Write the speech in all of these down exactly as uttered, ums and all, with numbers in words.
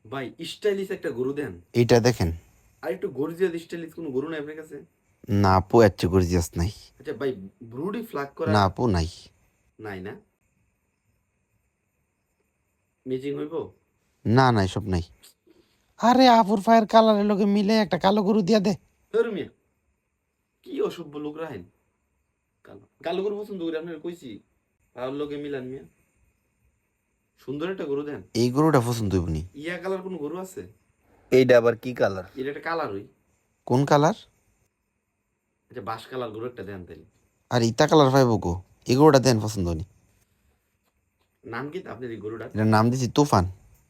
ভাই স্টাইলিশ একটা গরু দেন। এইটা দেখেন। আর একটু গর্জিয়াস স্টাইলিশ কোনো গরু নাই আপনার কাছে? না আপু, এর চেয়ে গর্জিয়াস নাই। আচ্ছা ভাই, ব্রুডি ফ্লাগ করা না আপু, নাই। নাই না? ম্যাচিং হইব? না না, এসব নাই। আরে আপুর ফায়ের কালারের লগে মিলে একটা কালো গরু দিয়া দে। ধরু মিয়া, কি অসভ্য লোক রাহেন। কালো কালো গরু পছন্দ করি আপনার কইছি, আর লোকে মিলান মিয়া। সুন্দর একটা গরু দেন। এই গরুটা পছন্দ হইব নি? ইয়া কালার কোনো গরু আছে? এইটা আবার কি কালার? এটা একটা কালার হই। কোন কালার? আচ্ছা বাস কালার গরু একটা দেন তাইলে। আর ইতা কালার পাইব গো? এই গরুটা দেন, পছন্দ নি। নাম কি আপনার এই গরুটার? এটার নাম দিছি তুফান।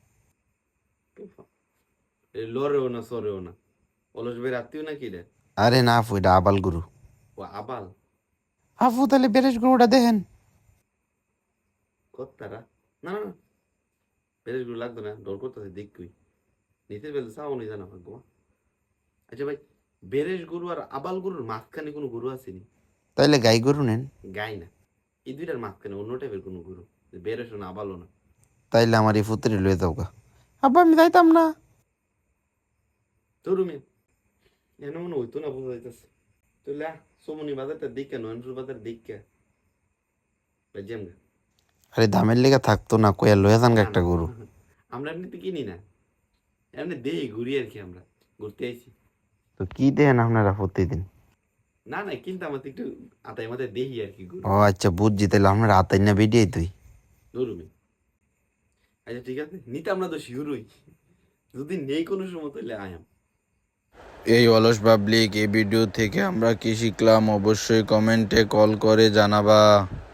লরেও না সরেও না, অলস ভাই রাত্রিও নাকি রে? আরে না আপু, এটা আবাল গরু। ও আবাল। আপু তাহলে বেরেশ গরুটা দেখেন। কত্তারা, না না না, বেরেস গরু লাগতো না, ডর করতেছে দেখবই, নিতে পেলে চাও নি জানা ভাগ্য। আচ্ছা ভাই, বেরেস গরু আর আবাল গরুর মাঝখানে কোনো গরু আসেনি? তাইলে গাই গরু নেন। গাই না, এই দুইটার মাঝখানে অন্য টাইপের কোনো গরু, বেরেসও না আবালও না। তাইলে আমার এই ফুতুরি লয়ে যাও গা। আব্বা আমি যাইতাম না। ধরু মিয়া, এনে মনে হইতো না, বোঝা যাইতেছে। তুই সোমনি বাজারটা দিকে নয়নপুর বাজার দিকে বাজ্যাম গা। আরে দামের লেগে থাকতো না, কয়া লয়ে যান গা না একটা না, গরু। আমরা এমনিতে কিনি না, এমনি দেই ঘুরি আর কি, আমরা ঘুরতে আইছি। তো কি দেন আপনারা প্রতিদিন? না না, কিন্তু আমাদের একটু আতাই মাথায় দেহি আর কি গরু। ও আচ্ছা, বুঝছি। তাহলে আপনারা আতাই না বেরিয়ে তুই। ধরু মিয়া, আচ্ছা ঠিক আছে, নিতে আমরা তো শিওরই, যদি নেই কোনো সময় তাহলে আয়াম। এই অলস পাবলিক, এই ভিডিও থেকে আমরা কি শিখলাম অবশ্যই কমেন্টে কল করে জানাবা।